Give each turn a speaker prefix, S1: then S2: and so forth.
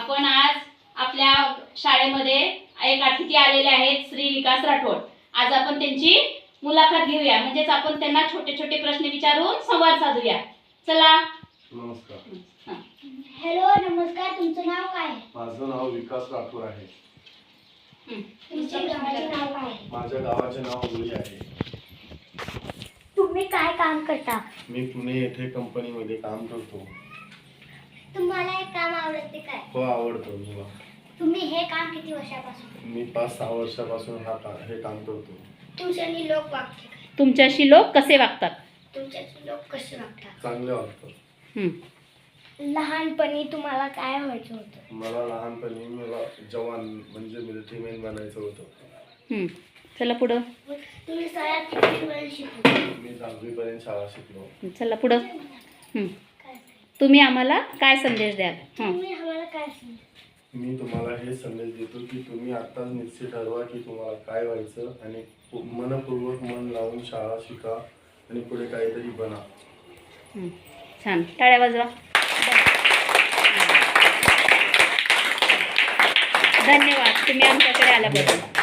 S1: आपण आज आपल्या शाळेमध्ये एक अतिथी आलेले आहेत, श्री विकास राठोड. आज आपण त्यांची मुलाखत घेऊया, म्हणजेच आपण त्यांना छोटे छोटे प्रश्न विचारून संवाद साधूया. चला.
S2: नमस्कार.
S3: हॅलो, नमस्कार. तुमचं नाव काय आहे?
S2: माझं नाव विकास राठोड आहे.
S3: तुमच्या गावाचे नाव काय आहे?
S2: माझ्या गावाचे नाव मुली आहे.
S3: तुम्ही काय काम करता?
S2: मी पुणे येथे कंपनीमध्ये काम करतो.
S3: तुम्हाला हे काम आवडते काय?
S2: हो, आवडतं मला.
S3: तुम्ही हे काम किती वर्षापासून?
S2: मी 5-6 वर्षापासून हे काम करतो.
S3: तुमच्याशी लोक वागते काय?
S1: तुमच्याशी लोक कसे वागतात?
S3: तुमच्याशी लोक कसे वागतात?
S2: चांगले वाटतं.
S3: लहानपणी तुम्हाला काय व्हायचं होतं?
S2: मला लहानपणी जवान म्हणजे मिलिटरीमॅन बनायचं होतं.
S1: चला पुढं.
S3: तुम्ही शाळेत कितवीपर्यंत शिकले?
S2: मी 10वी पर्यंत शाळा शिकलो.
S1: चला पुढं. तुम्ही आम्हाला काय संदेश द्याल?
S3: तुम्ही आम्हाला काय सांगता?
S2: मी तुम्हाला हे संदेश देतो की तुम्ही आत्ताच निश्चित ठरवा की तुम्हाला काय व्हायचं आणि मनपूर्वक मन लावून शाळा शिका आणि पुढे काहीतरी बना.
S1: छान, टाळ्या वाजवा. धन्यवाद तुम्ही आमच्याकडे आल्याबद्दल.